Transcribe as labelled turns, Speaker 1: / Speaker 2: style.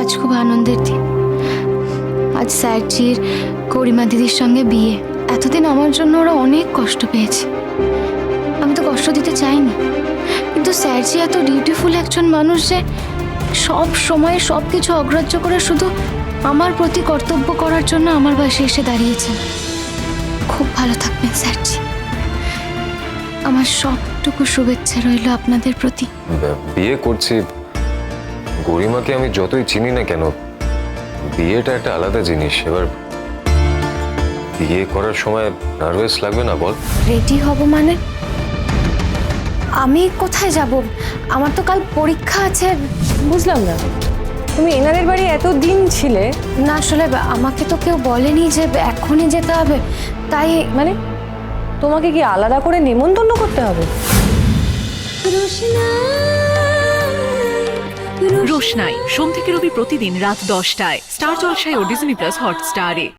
Speaker 1: আজ খুব আনন্দের দিন। আজ স্যারজির গরিমা দিদির সঙ্গে বিয়ে। এতদিন আমার জন্য ওরা অনেক কষ্ট পেয়েছে, আমি তো কষ্ট দিতে চাইনি, কিন্তু স্যারজি এত ডিউটিফুল একজন মানুষ যে সব সময় সব কিছু অগ্রাহ্য করে শুধু আমার প্রতি কর্তব্য করার জন্য আমার পাশে এসে দাঁড়িয়েছেন। খুব ভালো থাকবেন স্যারজি। আমার সবটুকু শুভেচ্ছা রইল আপনাদের প্রতি।
Speaker 2: বিয়ে করছি, গরিমাকে আমি যতই চিনি না কেন, বিয়েটা একটা আলাদা জিনিস। এবার বিয়ে করার সময় নার্ভাস লাগবে না বল?
Speaker 1: রেডি হব মানে? আমি কোথায় যাব? আমার তো কাল পরীক্ষা আছে।
Speaker 3: বুঝলাম না, তুমি এনাদের বাড়ি এতদিন ছিলে?
Speaker 1: না আসলে আমাকে তো কেউ বলেনি যে এখনই যেতে হবে, তাই
Speaker 3: মানে তোমাকে কি আলাদা করে নেমন্তন্ন করতে হবে?
Speaker 4: রোশনাই সোম থেকে রবি প্রতিদিন রাত 10টায় স্টার জলসায় ও ডিজনি প্লাস হটস্টারে।